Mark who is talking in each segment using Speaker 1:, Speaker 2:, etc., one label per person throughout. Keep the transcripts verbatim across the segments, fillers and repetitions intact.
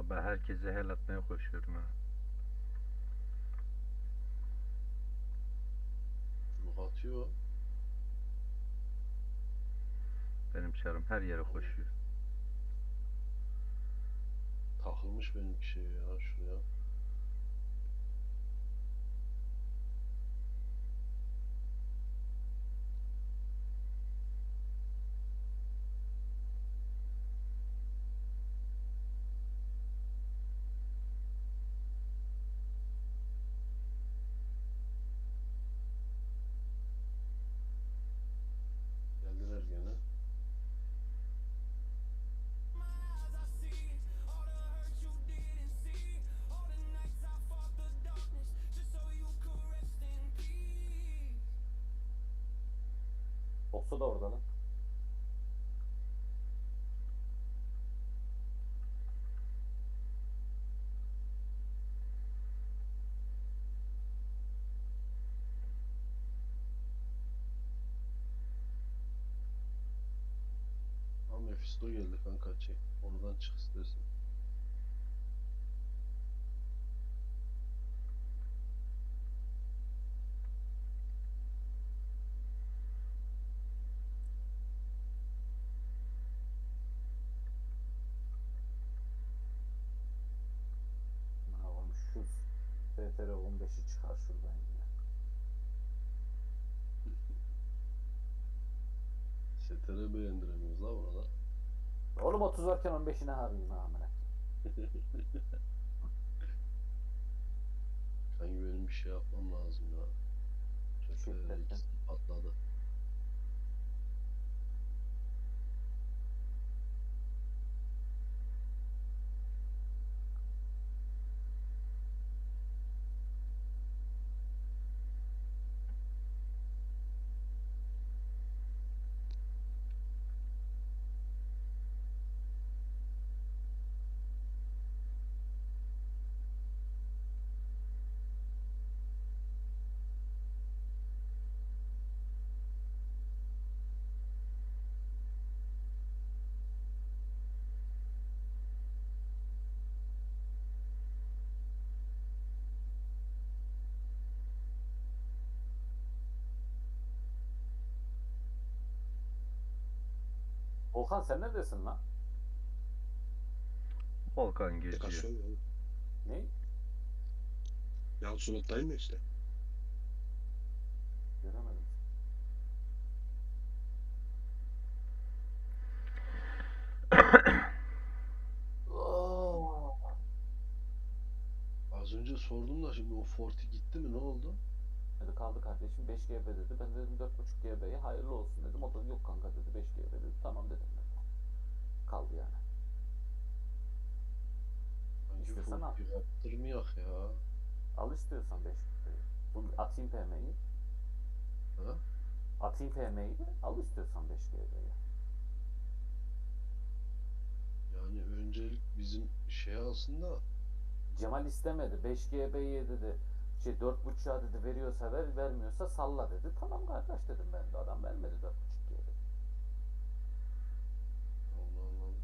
Speaker 1: Vallahi ben herkese hel atmaya koşuyorum ha.
Speaker 2: Çubuk atıyor.
Speaker 1: Benim çarım her yere koşuyor.
Speaker 2: Takılmış benimki şey ya şuraya. Geldiler gene.
Speaker 3: Oksu da orada lan.
Speaker 2: Ha Mephisto geldi kanka çek. Oradan çık istersen.
Speaker 3: Aman şu F T R on beşi çıkar şuradan ya.
Speaker 2: S T R beğendiremiyoruz la burada.
Speaker 3: Oğlum otuz varken on beşine harayım ha amına.
Speaker 2: Kanka benim bir şey yapmam lazım ya. S T R
Speaker 3: Şiddetle.
Speaker 2: ikisi patladı.
Speaker 3: Volkan sen neredesin lan?
Speaker 1: Volkan geziyor.
Speaker 4: Kasıyor ya.
Speaker 3: Ne?
Speaker 4: Ya suluttayım ya işte.
Speaker 3: Göremedim. Oh.
Speaker 2: Az önce sordum da şimdi o Forti gitti mi ne oldu?
Speaker 3: Dedi kaldı kardeşim beş G B dedi. Ben dedim dört buçuk G B'ye hayırlı olsun dedim. O da yok kanka dedi beş G B dedi. Tamam dedim ben de. Kaldı yani.
Speaker 2: Hangi
Speaker 3: İstesen al.
Speaker 2: Forti yaptırmayak ya?
Speaker 3: Al istiyorsan beş G B'yi. Bunu atayım P M'yi.
Speaker 2: Ha?
Speaker 3: Atayım P M'yi de al istiyorsan beş G B'yi.
Speaker 2: Yani öncelik bizim şey aslında
Speaker 3: Cemal istemedi. beş G B'ye dedi. Şey dört buçuğa dedi veriyorsa ver, vermiyorsa salla dedi. Tamam kardeş dedim ben de. Adam vermedi dört buçuk G B.
Speaker 2: Allah Allah.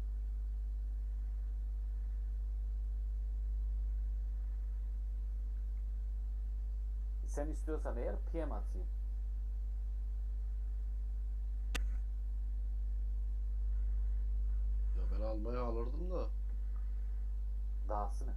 Speaker 3: Sen istiyorsan eğer P M atayım.
Speaker 2: Ya ben almaya alırdım da
Speaker 3: Dahası ne?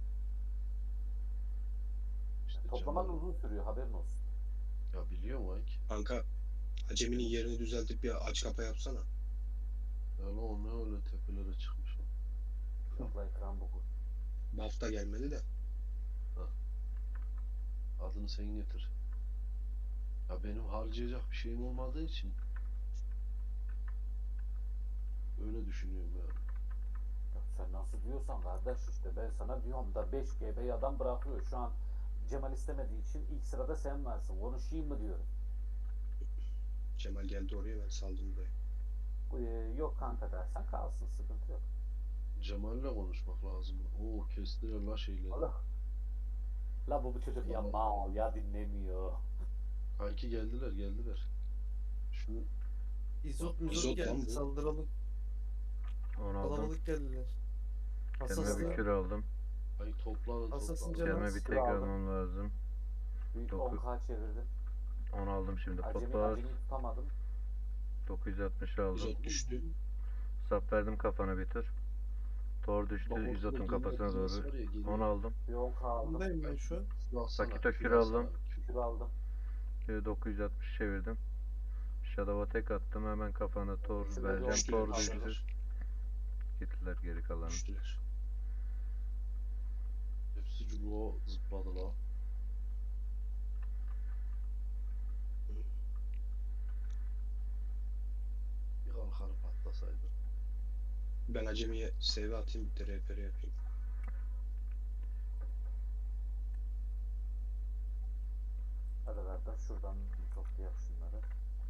Speaker 2: işte
Speaker 3: Toplaman
Speaker 2: Cemal-
Speaker 3: uzun sürüyor haberin olsun.
Speaker 2: Ya biliyorum Mike.
Speaker 4: Kanka Acemi'nin yerini düzeltip bir aç kapa yapsana.
Speaker 2: Ya lan o ne öyle tepelere çıkmış o.
Speaker 3: Yok la ekran boku.
Speaker 4: Buff da gelmedi de.
Speaker 2: Adını sen getir. Ya benim harcayacak bir şeyim olmadığı için öyle düşünüyorum ya.
Speaker 3: Ya sen nasıl diyorsan kardeş işte ben sana diyorum da beş G B'yi adam bırakıyor. Şu an Cemal istemediği için ilk sırada sen varsın. Konuşayım mı diyorum.
Speaker 4: Cemal geldi oraya, ben saldım buraya.
Speaker 3: Ee, yok kanka dersen kalsın sıkıntı yok.
Speaker 2: Cemal'le konuşmak lazım. Oo kestiler la şeyleri.
Speaker 3: Allah. La bu, bu çocuk ya mal ya dinlemiyor.
Speaker 2: Kanki geldiler geldiler. Şunu
Speaker 5: İzot
Speaker 4: İzot
Speaker 5: mizot
Speaker 4: lan
Speaker 5: geldi
Speaker 4: bu.
Speaker 5: saldıralım.
Speaker 1: Onu aldım.
Speaker 5: Kalabalık geldiler.
Speaker 1: Kendime
Speaker 5: Asasın,
Speaker 1: bir kür aldım.
Speaker 2: Ay toplanın
Speaker 5: Asasın
Speaker 2: toplanın.
Speaker 5: canım.
Speaker 1: Kendime bir
Speaker 3: kür
Speaker 1: tek
Speaker 3: aldım.
Speaker 1: almam lazım.
Speaker 3: Büyük
Speaker 1: Doku-
Speaker 3: on K çevirdim.
Speaker 1: onu aldım şimdi.
Speaker 3: Acemi,
Speaker 1: Potbağız.
Speaker 3: acemi tutamadım.
Speaker 1: dokuz yüz altmış aldım.
Speaker 4: Uzat düştü.
Speaker 1: Sap verdim kafana bir tur. Tor düştü.
Speaker 2: Bak ortada
Speaker 1: Yüz otun
Speaker 2: düğme
Speaker 1: kafasına
Speaker 2: dizmesi
Speaker 1: doğru.
Speaker 2: var ya, geliyor.
Speaker 1: onu aldım.
Speaker 3: Bir on K aldım.
Speaker 5: Bundayım ben şu an.
Speaker 2: Kür alsana,
Speaker 1: Pakito
Speaker 2: kür
Speaker 1: kür
Speaker 2: alsana.
Speaker 1: aldım.
Speaker 2: Kür-
Speaker 3: Kür aldım.
Speaker 1: Şöyle dokuz yüz altmış çevirdim. Shadow'a tek attım. Hemen kafana tor
Speaker 3: Şurada bir
Speaker 1: vereceğim.
Speaker 3: on
Speaker 1: Tor
Speaker 3: K
Speaker 1: düştü.
Speaker 3: aldım.
Speaker 1: Gittiler geri kalanı.
Speaker 4: Düştüler.
Speaker 2: Hepsi cubuğa zıpladı la. Bir kalkanı patlasaydı.
Speaker 4: Ben acemiye save atayım bir de R P R yapayım.
Speaker 3: Hadi kardeş şuradan toplayalım şunları.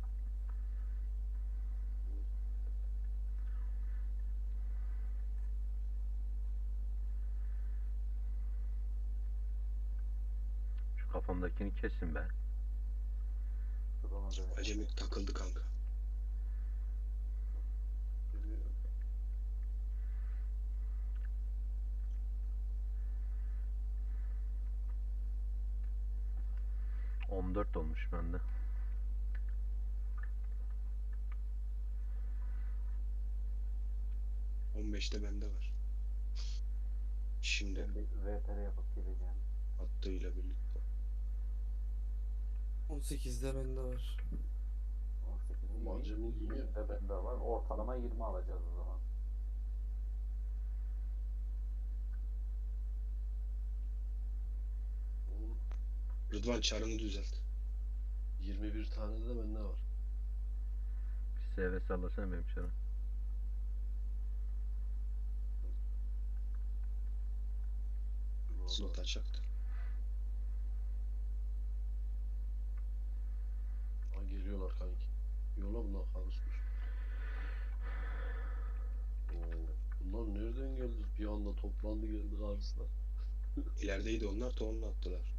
Speaker 1: Şu kafamdakini kesin be.
Speaker 3: Dur ona döneyim.
Speaker 4: Acemi takıldı kanka.
Speaker 2: Bilmiyorum.
Speaker 1: on dört olmuş bende.
Speaker 4: on beşte bende var. Şimdi
Speaker 3: Ben bir V P R yapıp geleceğim.
Speaker 4: attığıyla birlikte.
Speaker 5: on sekizde bende var.
Speaker 3: on sekiz
Speaker 2: Oğlum
Speaker 3: iyi.
Speaker 2: acemi iyi.
Speaker 3: yirmi de bende var. Ortalama yirmi alacağız o zaman.
Speaker 2: Oğlum,
Speaker 4: Rıdvan çarını düzelt.
Speaker 2: yirmi bir tane de bende var.
Speaker 1: Bir S V sallasana benim çarı.
Speaker 4: Slot açaktı.
Speaker 2: Ha, geliyorlar kanki. Yola bunlar karışmış. Oo, bunlar nereden geldi? Bir anda toplandı geldi karşısına.
Speaker 4: İlerideydi onlar, tohumla attılar.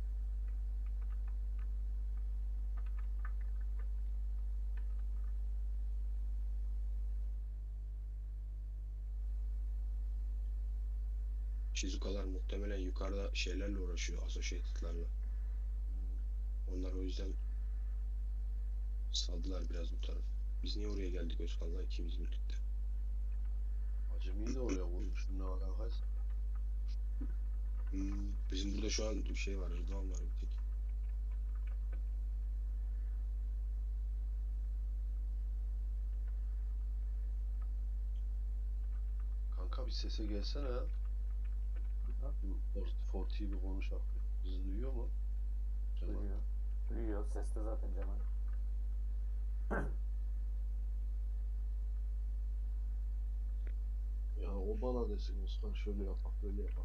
Speaker 4: Shizukalar muhtemelen yukarıda şeylerle uğraşıyor, associated'larla. Onlar o yüzden saldılar biraz bu taraf. Biz niye oraya geldik Özkan'la ikimiz birlikte?
Speaker 2: Acemiyi de oraya vurmuştum, ne alakaysa.
Speaker 4: Hmm, bizim burada şu an bir şey var, Rıdvan var bir tek.
Speaker 2: Kanka bir sese gelsene ya. Bu Forti'yi bir konuşak. Bizi duyuyor mu? Cemal.
Speaker 3: Duyuyor. Duyuyor. Ses de zaten Cemal.
Speaker 2: Ya o bana desin Özkan, şöyle yapak böyle yapak.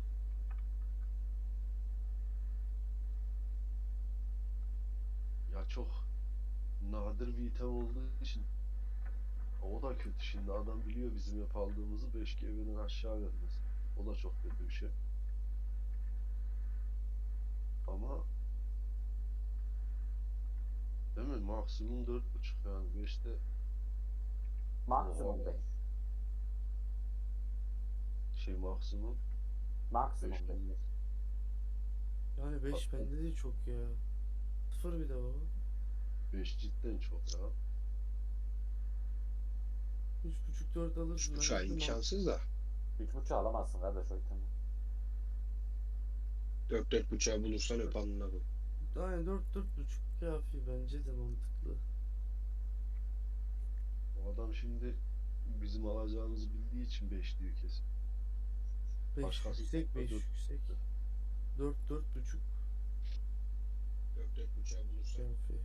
Speaker 2: Ya çok nadir bir item olduğu için o da kötü. Şimdi adam biliyor bizim hep aldığımızı beş G B'den aşağı vermez. O da çok kötü bir şey. Ama değil mi? Maksimum dört buçuk yani beşte
Speaker 3: Maksimum
Speaker 2: Oha.
Speaker 3: beş.
Speaker 2: şey maksimum
Speaker 3: Maksimum
Speaker 2: beş
Speaker 3: beş.
Speaker 2: olmaz.
Speaker 5: Yani beş
Speaker 2: Bak-
Speaker 5: bende de çok ya. Sıfır bir de baba.
Speaker 2: beş cidden çok ya.
Speaker 5: üç buçuk dört alırsın.
Speaker 4: Üç
Speaker 5: ben
Speaker 4: buçuğa
Speaker 5: dedim,
Speaker 4: imkansız da.
Speaker 3: Üç buçuğu alamazsın kardeş o itemi.
Speaker 4: Dört dört buçuğa bulursan öp alnına koy.
Speaker 5: Aynen dört dört buçuk kafi bence de mantıklı.
Speaker 2: O adam şimdi bizim alacağımızı bildiği için beş diyor kesin.
Speaker 5: beş
Speaker 2: Başkası
Speaker 5: yüksek beş
Speaker 2: dört-
Speaker 5: yüksek. dört dört buçuk
Speaker 4: Dört dört buçuğa bulursan.
Speaker 5: kafi.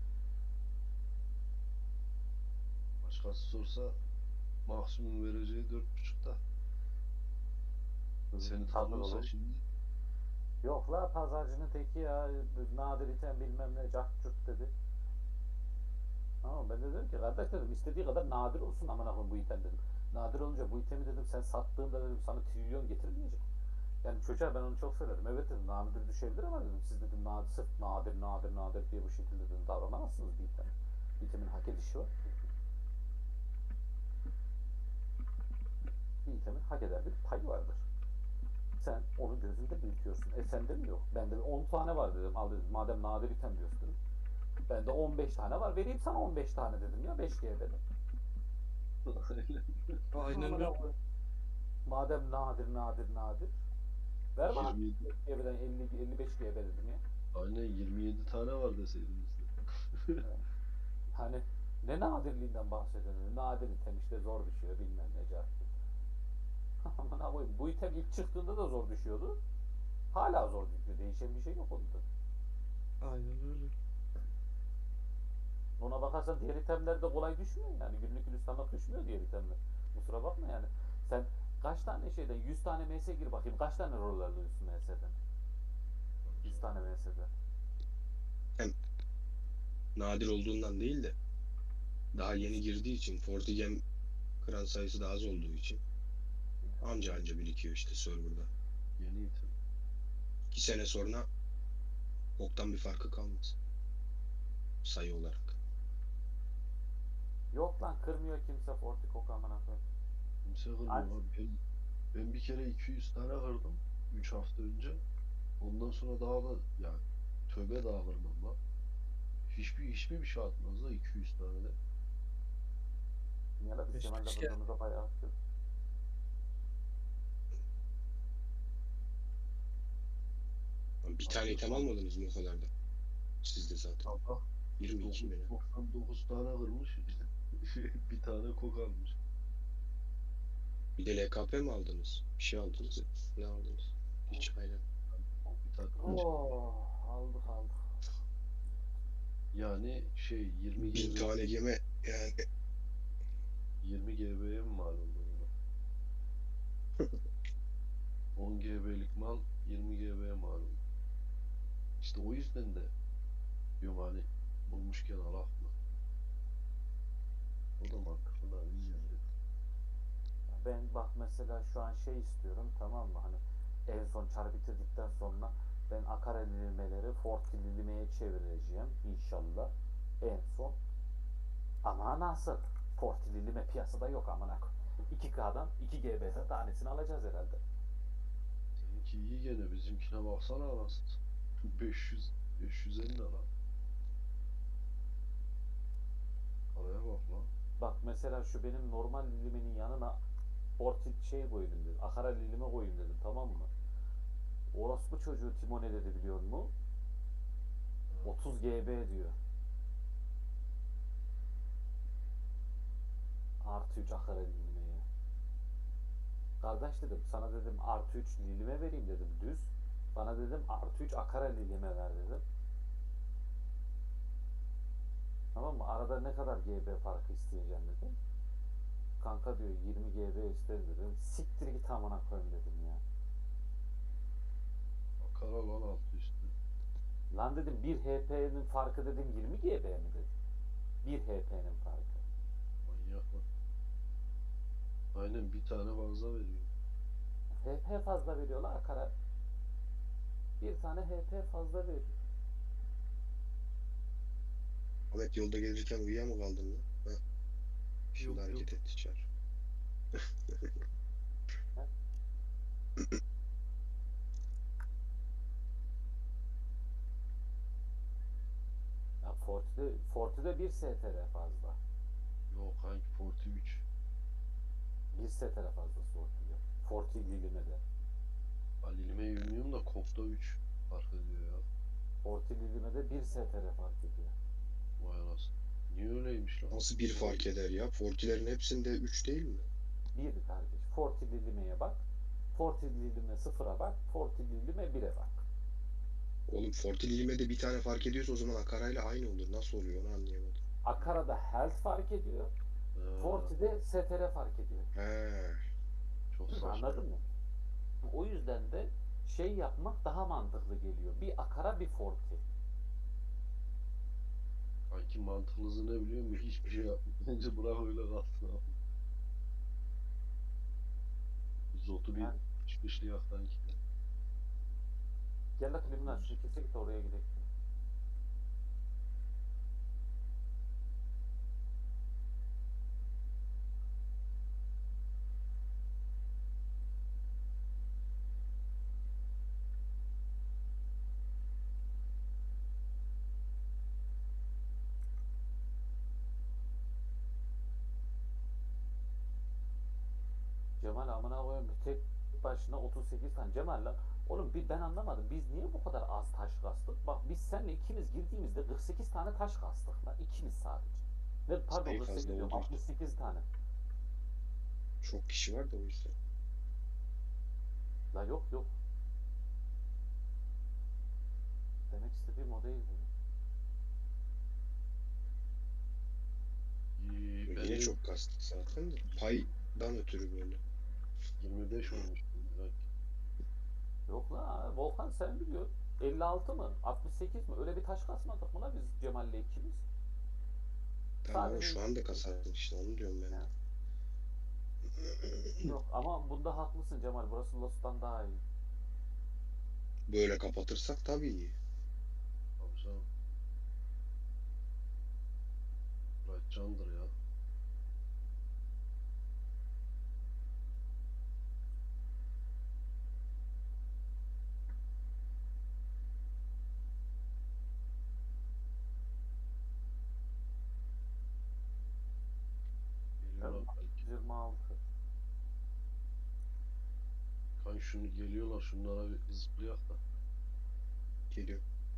Speaker 2: Başkası sorsa maksimum vereceği dört buçukta. Seni
Speaker 3: Tabii
Speaker 2: tanıyorsa
Speaker 3: oğlum.
Speaker 2: şimdi
Speaker 3: Yok la pazarcının teki ya. Nadir item bilmem ne cart curt dedi. Ama ben de dedim ki kardeş dedim istediği kadar nadir olsun aman akım bu item dedim. Nadir olunca bu itemi dedim sen sattığında dedim sana trilyon getirmeyecek. Yani çocuğa ben onu çok söyledim. Evet dedim nadir düşebilir ama dedim siz dedim nadir, sırf nadir nadir nadir diye bu şekilde dedim davranamazsınız bir item. İtemin hak edişi var. Bir itemin hak eder bir payı vardır. Sen onu gözünde büyütüyorsun. E sende mi yok? Bende on tane var dedim. Al dedim. Madem nadir item diyorsun. Bende on beş tane var. Vereyim sana on beş tane dedim ya. beş G B'den.
Speaker 5: Aynen
Speaker 3: Amına
Speaker 5: öyle.
Speaker 3: koyayım. Madem nadir nadir nadir. Ver bana
Speaker 2: yirmi yedi,
Speaker 3: G B'den elli elli beş G B dedim ya.
Speaker 2: aynen yirmi yedi tane var deseydiniz de.
Speaker 3: Hani ne nadirliğinden bahsediyorsun? Nadir item işte zor düşüyor bilmem ne cevap. Amına koyayım. Bu item ilk çıktığında da zor düşüyordu. Hala zor düşüyor. Değişen bir şey yok onda.
Speaker 5: Aynen öyle.
Speaker 3: Ona bakarsan diğer itemler de kolay düşmüyor yani. Günlük gülistanlık düşmüyor diğer itemler. Kusura bakma yani. Sen kaç tane şeyden yüz tane M S gir bakayım. Kaç tane rol alıyorsun M S'den? yüz tane M S'den.
Speaker 4: Nadir olduğundan değil de daha yeni girdiği için Fortigem kıran sayısı da az olduğu için anca anca birikiyor işte serverda.
Speaker 2: Yeni item.
Speaker 4: İki sene sonra boktan bir farkı kalmaz. Sayı olarak.
Speaker 3: Yok lan kırmıyor kimse Fortikok amına koyayım.
Speaker 2: Kimse kırmıyor
Speaker 3: Aç.
Speaker 2: abi. Ben, ben bir kere iki yüz tane kırdım. üç hafta önce. Ondan sonra daha da yani tövbe daha kırmam lan. Hiçbir hiçbir bir şey atmaz da iki yüz tane de.
Speaker 3: Niye la biz
Speaker 5: Beş
Speaker 3: Kemal'le
Speaker 5: kişi.
Speaker 3: kırdığımızda bayağı atıyoruz.
Speaker 4: Bir tane item almadınız mı o kadar da? Siz de zaten.
Speaker 2: Sabah
Speaker 4: yirmi iki mi ne?
Speaker 2: doksan dokuz tane kırmış. İşte bir tane kok almış.
Speaker 4: Bir de L K P mi aldınız? Bir şey aldınız ya. Ne aldınız? Hiç aynen.
Speaker 2: Bir takım.
Speaker 3: Oh, aldık aldık.
Speaker 2: Yani şey yirmi
Speaker 4: Bin
Speaker 2: G B
Speaker 4: tane geme yani.
Speaker 2: yirmi G B'ye mi mal oldu buna? on G B'lik mal yirmi G B'ye mal oldu. İşte o yüzden de diyorum hani bulmuşken alak mı? O da mantıklı da bilmiyorum dedim.
Speaker 3: Ben bak mesela şu an şey istiyorum tamam mı hani en son çar bitirdikten sonra ben akar lilimeleri Fort lilimeye çevireceğim inşallah en son. Ama nasıl? Fort lilime piyasada yok amına koyayım. iki K'dan iki G B'den tanesini alacağız herhalde.
Speaker 2: Seninki iyi gene bizimkine baksana anasını. beş yüz beş yüz elli lan. Araya bak lan.
Speaker 3: Bak mesela şu benim normal lilimenin yanına Fort şey koydum dedim. Akara lilime koyayım dedim tamam mı? Orospu çocuğu Timo ne dedi biliyor musun? otuz G B diyor. Artı üç akara lilimeye. Kardeş dedim sana dedim artı üç lilime vereyim dedim düz. Bana dedim artı üç akara lilime ver dedim. Tamam mı? Arada ne kadar G B farkı isteyeceğim dedim. Kanka diyor yirmi G B isterim dedim. Siktir git amına koyayım dedim ya.
Speaker 2: Akara lan altı üstü.
Speaker 3: Lan dedim bir H P'nin farkı dedim yirmi G B mi dedim. bir H P'nin farkı.
Speaker 2: Manyak lan. Aynen bir tane fazla veriyor.
Speaker 3: H P fazla veriyorlar akara. Bir tane H P fazla veriyor.
Speaker 4: Ahmet yolda gelirken uyuya mı kaldın lan? Ha. Şimdi
Speaker 5: Yok,
Speaker 4: hareket
Speaker 5: yok.
Speaker 4: etti çar.
Speaker 3: Ya Forti'de, Forti'de bir S T R fazla.
Speaker 2: Yok hangi Forti üç.
Speaker 3: Bir S T R fazlası Forti'de. Forti Lilime'de.
Speaker 2: Alilime bilmiyorum da Kok'ta üç fark ediyor ya.
Speaker 3: Forti Lilime'de bir S T R fark ediyor.
Speaker 2: Vay anasını. Niye öyleymiş lan?
Speaker 4: Nasıl bir fark eder ya? Fortilerin hepsinde üç değil mi?
Speaker 3: Bir kardeş. Forti Lilime'ye bak. Forti Lilime sıfıra bak. Forti Lilime bire bak.
Speaker 4: Oğlum Forti Lilime'de bir tane fark ediyorsa o zaman Akara'yla aynı olur. Nasıl oluyor onu anlayamadım.
Speaker 3: Akara'da health fark ediyor.
Speaker 2: Ee,
Speaker 3: Forti'de S T R fark ediyor.
Speaker 4: He.
Speaker 2: Çok saçma.
Speaker 3: Anladın mı? O yüzden de şey yapmak daha mantıklı geliyor. Bir Akara bir Forti.
Speaker 2: Kanki mantıklısı ne biliyor musun? Hiçbir şey yapmıyor. Bence bırak öyle kalsın abi. Zotu bir
Speaker 3: Yani-
Speaker 2: çıkışlı yaktan ki.
Speaker 3: Gel la klimin aç. Şirkete git oraya gidelim. Cemal amına koyayım tek başına otuz sekiz tane. Cemal lan. Oğlum bir ben anlamadım. Biz niye bu kadar az taş kastık? Bak biz seninle ikimiz girdiğimizde kırk sekiz tane taş kastık lan. İkimiz sadece. Ne pardon
Speaker 4: Sayı
Speaker 3: kırk sekiz
Speaker 4: fazla
Speaker 3: diyorum.
Speaker 4: olduğu için.
Speaker 3: altmış sekiz tane.
Speaker 4: Çok kişi var da o yüzden.
Speaker 3: La yok yok. Demek istediğim o değil benim.
Speaker 2: İyi,
Speaker 4: Yine
Speaker 2: benim
Speaker 4: çok kastık zaten de. Paydan ötürü böyle.
Speaker 2: yirmi beş olmuş direkt.
Speaker 3: Yok la Volkan sen biliyorsun. elli altı mı? altmış sekiz mi? Öyle bir taş kasmadık mı la biz Cemal'le ikimiz?
Speaker 4: Tamam ama
Speaker 3: Sadece-
Speaker 4: şu anda kasardık işte onu diyorum ben de.
Speaker 3: Ya. Yok ama bunda haklısın Cemal. Burası Lost'tan daha iyi.
Speaker 4: Böyle kapatırsak tabii iyi.
Speaker 2: Tabii canım. Murat candır ya. Geliyorlar belki.
Speaker 3: yirmi altı.
Speaker 2: Kan şunu geliyorlar şunlara bir zıplayak da.
Speaker 4: Geliyor.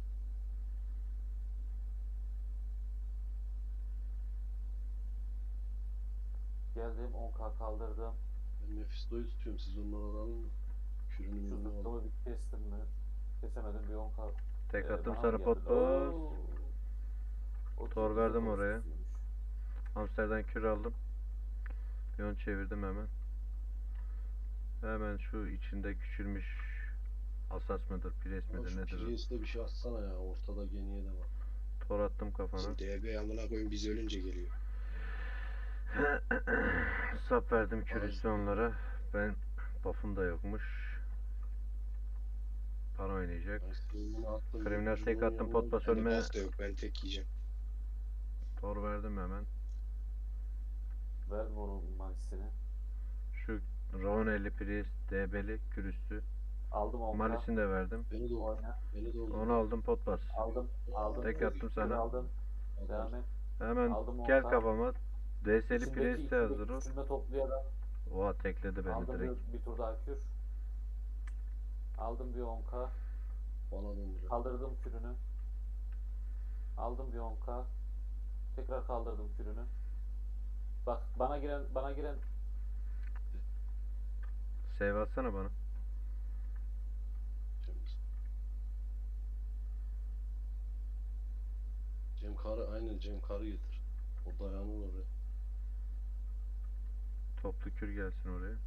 Speaker 3: Geldim on K kaldırdım.
Speaker 2: Ben Mephisto'yu tutuyorum siz onları alın mı? Kürünü
Speaker 3: Şu
Speaker 2: mürünü alın.
Speaker 3: zıplımı bir kestim mi? Kesemedim bir on K.
Speaker 1: Tek
Speaker 3: Ee,
Speaker 1: attım
Speaker 3: bana
Speaker 1: sarı
Speaker 3: mı
Speaker 1: pot
Speaker 3: geldi?
Speaker 1: boz.
Speaker 3: Oo. otuz
Speaker 1: Tor
Speaker 3: dokuz
Speaker 1: verdim
Speaker 3: otuz
Speaker 1: oraya.
Speaker 3: sekizmiş.
Speaker 1: Hamsterden kür aldım. Yon çevirdim hemen. Hemen şu içinde küçülmüş asas mıdır, pres
Speaker 2: Ama
Speaker 1: midir
Speaker 2: şu
Speaker 1: nedir? o?
Speaker 2: Prius'te bir şey atsana ya. Ortada geniye de var.
Speaker 1: Tor attım kafana.
Speaker 4: Bizim D B amına koyun biz ölünce geliyor.
Speaker 1: Sap verdim kür
Speaker 2: Ay.
Speaker 1: üstü onlara. Ben buff'um da yokmuş. Para oynayacak.
Speaker 2: Ben streamini attım.
Speaker 1: Kriminal tek
Speaker 2: Cumhur'un
Speaker 1: attım,
Speaker 2: yanına
Speaker 1: pot bas
Speaker 2: gittim.
Speaker 4: Bende
Speaker 1: ölme.
Speaker 4: buff da yok ben tek yiyeceğim.
Speaker 1: Tor verdim hemen.
Speaker 3: Verdim onun magisini.
Speaker 1: Şu Rowan elli pres, D B'li kür üstü.
Speaker 3: Aldım on K.
Speaker 1: Malisini de verdim.
Speaker 2: Beni de oldu.
Speaker 3: Oyna.
Speaker 2: Beni de oldu.
Speaker 1: Onu aldım pot bas.
Speaker 3: Aldım. Aldım.
Speaker 1: Tek
Speaker 3: Kür-
Speaker 1: attım
Speaker 3: kür
Speaker 1: sana.
Speaker 3: Aldım. Devam et.
Speaker 1: Hemen
Speaker 3: Aldım
Speaker 1: gel
Speaker 3: on K.
Speaker 1: kafama. D S'li
Speaker 3: İçindeki
Speaker 1: pres de
Speaker 3: ikili
Speaker 1: hazır o.
Speaker 3: küçülme toplayarak
Speaker 1: Oha tekledi beni
Speaker 3: aldım
Speaker 1: direkt.
Speaker 3: bir, bir tur daha kür. Aldım bir on K.
Speaker 2: Bana döndürüyor.
Speaker 3: Kaldırdım kürünü. Aldım bir on K. Tekrar kaldırdım kürünü. Bak bana giren bana giren
Speaker 1: Save atsana bana.
Speaker 2: Cem. Cem Karı aynen Cem Karı getir. O dayanır oraya.
Speaker 1: Toplu kür gelsin oraya.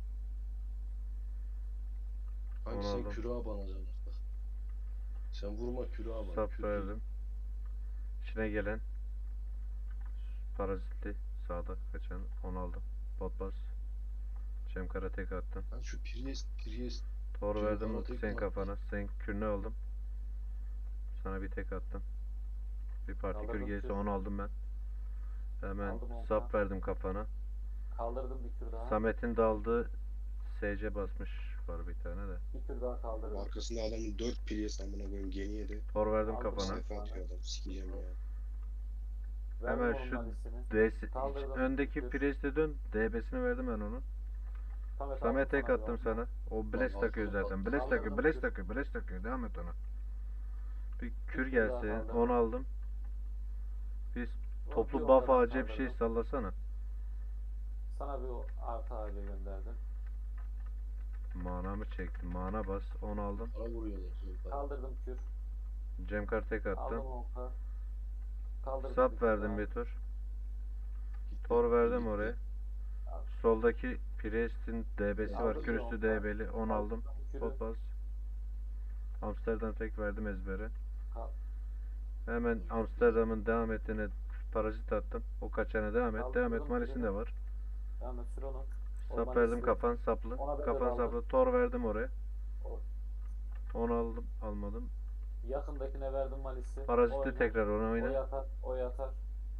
Speaker 2: Kanki
Speaker 1: Onu
Speaker 2: sen
Speaker 1: aldım.
Speaker 2: kürağa banacaksın artık. Sen vurma kürağa bana.
Speaker 1: Sap
Speaker 2: Kür-
Speaker 1: verdim. İçine gelen parazitli sağda kaçan onu aldım. Bot bas. Şemkara tek attım.
Speaker 2: Lan şu Prius, Prius
Speaker 1: Tor
Speaker 2: Şemkara
Speaker 1: verdim
Speaker 2: tek
Speaker 1: senin
Speaker 2: mi
Speaker 1: kafana. Sen kürünü aldım. Sana bir tek attım. Bir parti kür
Speaker 3: Kaldırdım
Speaker 1: gelirse
Speaker 3: kür.
Speaker 1: onu aldım ben. Hemen
Speaker 3: Aldım onu
Speaker 1: sap
Speaker 3: ben.
Speaker 1: verdim kafana.
Speaker 3: kaldırdım bir kür daha.
Speaker 1: Samet'in daldığı S C basmış var bir tane de.
Speaker 3: Bir kür daha kaldırdım.
Speaker 4: Arkasında adamın dört Prius amına koyayım geniye de.
Speaker 1: Tor verdim
Speaker 3: Aldım
Speaker 1: kafana.
Speaker 3: onu.
Speaker 4: Sayfa atıyor adam sikeceğim ya.
Speaker 3: Verdim
Speaker 1: Hemen
Speaker 3: onun
Speaker 1: şu
Speaker 3: malisini.
Speaker 1: D'si,
Speaker 3: Kaldırdım.
Speaker 1: öndeki
Speaker 3: Kür.
Speaker 1: presle dön. D B'sini verdim ben onu.
Speaker 3: Samet,
Speaker 1: Samet
Speaker 3: aldım
Speaker 1: tek
Speaker 3: sana bir
Speaker 1: attım
Speaker 3: on K.
Speaker 1: sana. O bless
Speaker 2: Lan
Speaker 1: takıyor
Speaker 2: arkada
Speaker 1: zaten.
Speaker 2: bak.
Speaker 1: Bless takıyor,
Speaker 3: Kaldırdım
Speaker 1: bless
Speaker 3: kür.
Speaker 1: takıyor, bless takıyor. Devam et ona. Bir kür
Speaker 3: kür daha
Speaker 1: gelse
Speaker 3: kaldırdım.
Speaker 1: onu aldım. Biz
Speaker 3: Bir
Speaker 1: toplu
Speaker 3: on
Speaker 1: buff
Speaker 3: K daha
Speaker 1: ağacı bir şey
Speaker 3: kaldırdım.
Speaker 1: sallasana.
Speaker 3: Sana bir o artı ağacı gönderdim.
Speaker 1: Mana mı çektim? Mana bas. Onu aldım.
Speaker 2: para vuruyorlar. Cem Karı.
Speaker 3: Kaldırdım kür.
Speaker 1: Cemkar tek
Speaker 3: Aldım
Speaker 1: attım.
Speaker 3: on K. Kaldırdım
Speaker 1: Sap
Speaker 3: bir kür
Speaker 1: verdim
Speaker 3: daha.
Speaker 1: bir tur.
Speaker 2: Gitti,
Speaker 1: Tor verdim
Speaker 2: gitti.
Speaker 1: oraya. Soldaki Priest'in D B'si var.
Speaker 3: Aldım
Speaker 1: Kür
Speaker 3: bir on
Speaker 1: üstü
Speaker 3: K.
Speaker 1: D B'li. Onu aldım.
Speaker 3: Kürü.
Speaker 1: Pot bas. Amsterdam tek verdim ezbere.
Speaker 3: Kal-
Speaker 1: Hemen Amsterdam'ın devam ettiğine parazit attım. O kaçana devam et. Devam et.
Speaker 3: Kaldırdım
Speaker 1: Malisin de
Speaker 3: birini.
Speaker 1: var.
Speaker 3: Devam et sür onu. O
Speaker 1: Sap
Speaker 3: malisi-
Speaker 1: verdim kafan saplı.
Speaker 3: Ona ben de
Speaker 1: Kafan
Speaker 3: aldım.
Speaker 1: saplı. Tor verdim oraya.
Speaker 3: O-
Speaker 1: Onu aldım. Almadım.
Speaker 3: Yakındakine verdim malisi.
Speaker 1: Parazitli
Speaker 3: Oyna.
Speaker 1: tekrar ona
Speaker 3: O
Speaker 1: oyna.
Speaker 3: yatar, o yatar.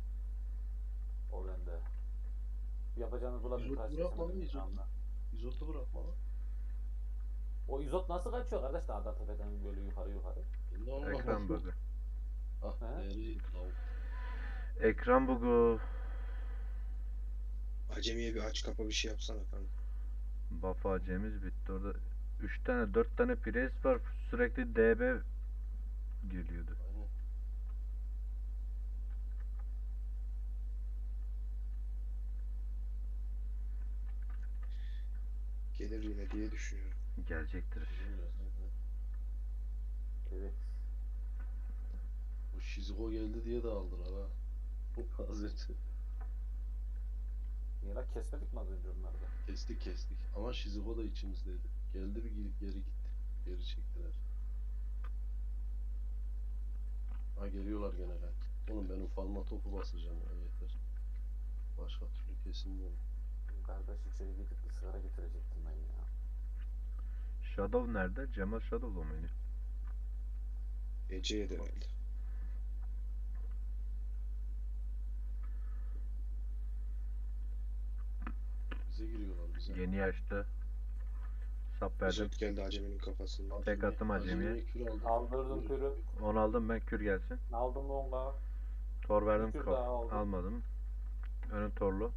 Speaker 3: O bende. Yapacağınız bulan bir
Speaker 2: İzot
Speaker 3: karşı
Speaker 2: bırakma lan,
Speaker 3: kesemedim şu
Speaker 2: izot.
Speaker 3: anda.
Speaker 2: İzotu bırakma lan.
Speaker 3: O izot nasıl kaçıyor kardeş dağda tepeden böyle yukarı yukarı?
Speaker 2: Ben de onu
Speaker 1: Ekran bug'ı.
Speaker 2: Ah
Speaker 3: He?
Speaker 2: değeri lavuk.
Speaker 1: Ekran bug'u.
Speaker 4: Acemiye bir aç kapa bir şey yapsana kanka.
Speaker 1: Buff acemiz bitti. Orada üç tane dört tane pres var. Sürekli D B geliyordu.
Speaker 2: Aynen.
Speaker 4: Gelir yine diye düşünüyorum.
Speaker 1: Gelecektir.
Speaker 2: Bilmiyoruz, aynen.
Speaker 3: Evet.
Speaker 2: Bu Shizuko geldi diye de aldılar ha. Az önce.
Speaker 3: Niye lan kesmedik mi az önce onları da?
Speaker 2: Kestik kestik. Ama Shizuko da içimizdeydi. Geldi bir geri, geri gitti. Geri çektiler. Ha geliyorlar gene lan. Oğlum ben ufalma topu basacağım ya yeter. Başka türlü kesilmiyor.
Speaker 3: Kardeş içeri gidip bir sigara getirecektim ben ya.
Speaker 1: Shadow nerede? Cemal Shadow'la mı oynuyor?
Speaker 4: Ece'ye de herhalde.
Speaker 2: Bize giriyorlar bize.
Speaker 1: Yeni yaşta. Sap verdim.
Speaker 4: Zot geldi Acemi'nin kafasında.
Speaker 1: Tek attım acemiye.
Speaker 2: Acemiye kür aldım.
Speaker 3: Aldırdım
Speaker 2: Buyurun.
Speaker 3: kürü.
Speaker 1: Onu aldım ben, kür gelsin.
Speaker 3: Aldım longa.
Speaker 1: Tor verdim,
Speaker 3: Bir kür
Speaker 1: kaf-
Speaker 3: daha aldım.
Speaker 1: almadım. Önüm torlu.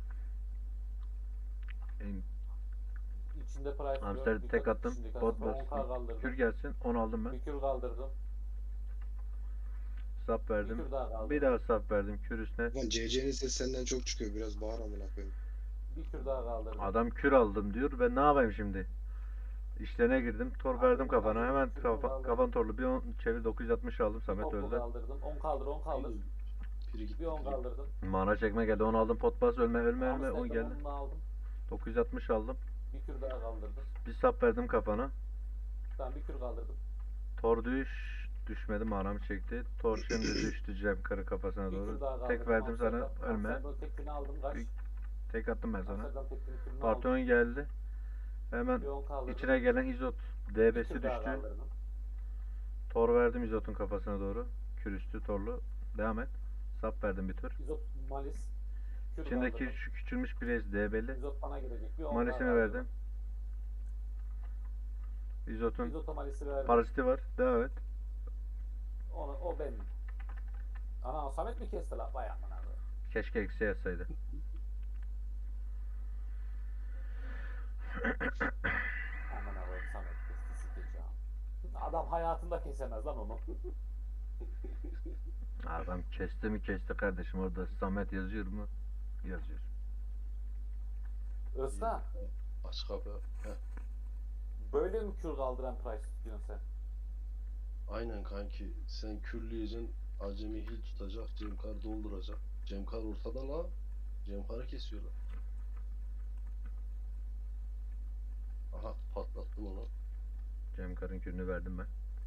Speaker 1: En-
Speaker 3: İçinde price
Speaker 1: Hamster
Speaker 3: yok.
Speaker 1: tek
Speaker 3: Dikkat-
Speaker 1: attım.
Speaker 3: içindeki
Speaker 1: Bot
Speaker 3: hamster on K
Speaker 1: bastım.
Speaker 3: kaldırdım.
Speaker 1: Kür gelsin. Onu aldım ben.
Speaker 3: Bir kür kaldırdım.
Speaker 1: Sap
Speaker 3: Bir
Speaker 1: verdim.
Speaker 3: kür daha kaldırdım.
Speaker 1: Bir daha sap verdim kür üstüne.
Speaker 4: Lan C C'nin sesi senden çok çıkıyor. Biraz bağır amına koyayım.
Speaker 3: Bir kür daha kaldırdım.
Speaker 1: Adam kür aldım diyor. Ben ne yapayım şimdi? İşlerine girdim. Tor
Speaker 3: Aldım,
Speaker 1: verdim kafana.
Speaker 3: aldım.
Speaker 1: Hemen
Speaker 3: Kür
Speaker 1: kafa,
Speaker 3: aldım.
Speaker 1: kafan torlu. Bir on çevir, dokuz yüz altmış aldım.
Speaker 3: Bir
Speaker 1: Samet
Speaker 3: topu
Speaker 1: öldü.
Speaker 3: kaldırdım. on kaldır on kaldır.
Speaker 2: Piri gitti.
Speaker 3: Bir on
Speaker 2: piri.
Speaker 3: kaldırdım.
Speaker 1: Mana çekme geldi. Onu aldım. Pot bas, ölme ölme ölme.
Speaker 3: Hamster'dan
Speaker 1: on geldi.
Speaker 3: onu aldım.
Speaker 1: dokuz yüz altmış aldım.
Speaker 3: Bir kür daha kaldırdım.
Speaker 1: Bir sap verdim kafana.
Speaker 3: Tamam bir kür kaldırdım.
Speaker 1: Tor düş. Düşmedi, manamı çekti. Tor şimdi düştü Cem karı kafasına
Speaker 3: Bir
Speaker 1: doğru.
Speaker 3: kür daha kaldırdım.
Speaker 1: Tek verdim sana.
Speaker 3: Hamster'dan-
Speaker 1: Ölme.
Speaker 3: Hamster'dan tekini aldım. Kaç.
Speaker 1: Bir- Tek attım ben sana.
Speaker 3: Hamster'dan tekini kürünü aldım.
Speaker 1: Parton geldi. Hemen
Speaker 3: Bir on kaldırdım.
Speaker 1: içine gelen izot
Speaker 3: Bir
Speaker 1: D B'si
Speaker 3: kür daha
Speaker 1: düştü.
Speaker 3: kaldırdım.
Speaker 1: Tor verdim izotun kafasına doğru. Kürüstü torlu. Devam et. Sap verdim bir tur.
Speaker 3: İzot malis. Kür
Speaker 1: İçindeki
Speaker 3: kaldırdım.
Speaker 1: şu küçülmüş pirez D B'li.
Speaker 3: İzot bana gelecek. Bir on
Speaker 1: Malisini
Speaker 3: daha
Speaker 1: verdim.
Speaker 3: kaldırdım.
Speaker 1: İzotun
Speaker 3: İzot malisi verdim.
Speaker 1: paraziti var. Devam et.
Speaker 3: Onu, o benim. Ana Samet mi kesti la? Vay amına koyayım.
Speaker 1: Keşke eksi yazsaydı.
Speaker 3: Amına koyayım Samet kesti sikeceğim. Adam hayatında kesemez lan onu.
Speaker 1: Adam kesti mi kesti kardeşim. Orada Samet yazıyor mu? Yazıyor.
Speaker 3: Özkan,
Speaker 2: Aç kapı. Heh.
Speaker 3: böyle mi kür kaldıran price tutuyorsun sen?
Speaker 2: Aynen kanki. Sen kürleyeceksin. Acemi hil tutacak. Cemkar dolduracak. Cemkar ortada la. Cemkar'ı kesiyorlar. Aha patlattım onu.
Speaker 1: Cem karın kürünü verdim ben.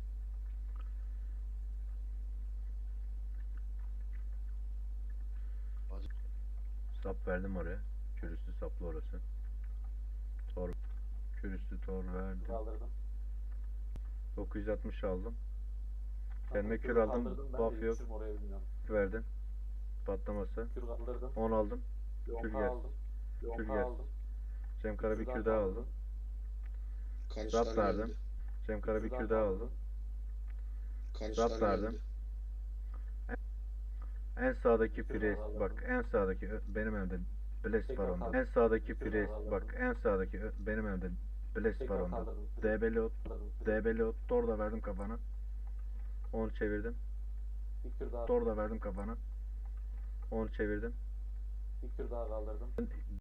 Speaker 2: Hadi.
Speaker 1: Sap verdim oraya. Kürüstü saplı orası. Tor. Kürüstü tor verdim.
Speaker 3: Kaldırdım.
Speaker 1: dokuz yüz altmış aldım.
Speaker 3: Tamam,
Speaker 1: Kendime
Speaker 3: kür
Speaker 1: kür aldım,
Speaker 3: kaldırdım, ben
Speaker 1: buff
Speaker 3: de
Speaker 1: yok.
Speaker 3: yetişirim oraya bilmiyorum.
Speaker 1: Verdim. Patlaması.
Speaker 3: Kür kaldırdım.
Speaker 1: on aldım.
Speaker 3: Bir on
Speaker 1: Kür
Speaker 3: K
Speaker 1: gelsin.
Speaker 3: aldım. Bir on
Speaker 1: Kür
Speaker 3: K
Speaker 1: gelsin.
Speaker 3: aldım.
Speaker 1: Cem Kara bir
Speaker 3: Kür
Speaker 1: kür
Speaker 3: daha
Speaker 1: daha
Speaker 3: kaldırdım.
Speaker 1: aldım.
Speaker 4: Karışlar
Speaker 1: Zap verdim.
Speaker 4: geldi.
Speaker 1: Cem Kara bir
Speaker 3: Kür
Speaker 1: kür
Speaker 3: daha
Speaker 1: daha
Speaker 3: kaldırdım.
Speaker 1: aldım.
Speaker 4: Karışlar
Speaker 1: Zap verdim.
Speaker 4: geldi.
Speaker 1: En sağdaki
Speaker 3: Kür
Speaker 1: pres
Speaker 3: daha aldım.
Speaker 1: bak, en sağdaki ö- benim evde Bless
Speaker 3: Tekrar
Speaker 1: var onda.
Speaker 3: kaldım.
Speaker 1: En sağdaki
Speaker 3: Kür
Speaker 1: pres
Speaker 3: daha aldım.
Speaker 1: bak, en sağdaki ö- benim evde Bless var
Speaker 3: Tekrar
Speaker 1: onda.
Speaker 3: kaldırdım. kürü.
Speaker 1: D B'li ot,
Speaker 3: Kaldırdım kürü.
Speaker 1: D B'li ot, tor da verdim kafana. Onu çevirdim.
Speaker 3: Bir kür daha,
Speaker 1: Tor da verdim kafana. Onu çevirdim.
Speaker 3: bir kür daha kaldırdım.